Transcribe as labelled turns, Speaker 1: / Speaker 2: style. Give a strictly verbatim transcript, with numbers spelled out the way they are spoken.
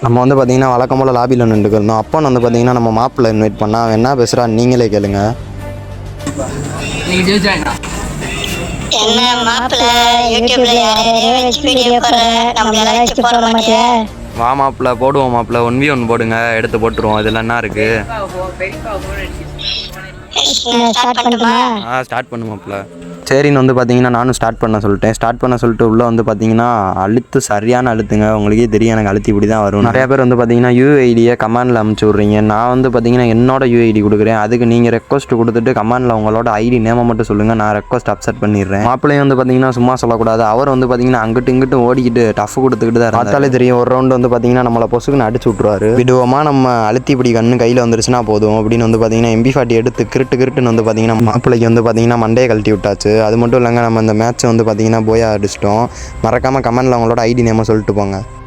Speaker 1: நம்ம வந்து பார்த்தீங்கன்னா வழக்கம் போல் லாபியில் நின்றுக்கு இருந்தோம். அப்போ வந்து பார்த்தீங்கன்னா நம்ம மாப்பிள்ளை இன்வைட் பண்ணால் அவன் என்ன பேசுகிறா நீங்களே கேளுங்க.
Speaker 2: என்ன மாப்பிள்ள யூடியூப்ல யாரையோ வச்சு வீடியோ போடுற, நம்மளால வச்சு போட மாட்டியா?
Speaker 1: வா மாப்பிள்ள போடுவோம், மாப்பிள்ள ஒன் வி ஒன் போடுங்க, எடுத்து போட்டுருவோம். இதில் என்ன இருக்கு?
Speaker 2: ஸ்டார்ட் பண்ணுமா?
Speaker 1: ஆ ஸ்டார்ட் பண்ணு மாப்பிள்ள. சரின்னு வந்து பார்த்தீங்கன்னா நானும் ஸ்டார்ட் பண்ண சொல்லிட்டேன். ஸ்டார்ட் பண்ண சொல்லிட்டு உள்ளே வந்து பார்த்தீங்கன்னா அழுத்து சரியான அழுத்துங்க. உங்களுக்கே தெரியும் எனக்கு அழுத்தி இப்படி தான் வரும். நிறையா பேர் வந்து பார்த்தீங்கன்னா யூஐடியை கமாண்டில் அமுச்சு விட்றீங்க. நான் வந்து பார்த்தீங்கன்னா என்னோட யூஐடி கொடுக்குறேன். அதுக்கு நீங்கள் ரெக்வஸ்ட் கொடுத்துட்டு கமாண்டில் உங்களோட ஐடி நேமை மட்டும் சொல்லுங்கள், நான் ரெக்வஸ்ட் அப்செட் பண்ணிடுறேன். மாப்பிள்ளையும் வந்து பார்த்தீங்கன்னா சும்மா சொல்லக்கூடாது. அவர் வந்து பார்த்தீங்கன்னா அங்கிட்டு இங்கிட்டு ஓடிக்கிட்டு டஃப் கொடுத்துக்கிட்டு தான் பார்த்தாலே தெரியும். ஒரு ரவுண்டு வந்து பார்த்தீங்கன்னா நம்மளை பொசுக்குன்னு அடிச்சு விட்ருவாரு. விடுவோமா நம்ம அழுத்தி இப்படி கண்ணு கையில் வந்துருச்சுன்னா போதும் அப்படின்னு வந்து பார்த்தீங்கன்னா எம்பி ஃபார்ட்டி எடுத்து கிருட்டு கிருட்டுன்னு வந்து பார்த்தீங்கன்னா மாப்பிள்ளைக்கு வந்து பார்த்தீங்கன்னா மண்டையை கழட்டி விட்டாச்சு. அது மட்டும் இல்லைங்க, நம்ம இந்த மேட்ச் வந்து பார்த்தீங்கன்னா போயா அடிச்சிட்டோம். மறக்காமல் கமெண்டில் அவங்களோட ஐடி நேமை சொல்லிட்டு போங்க.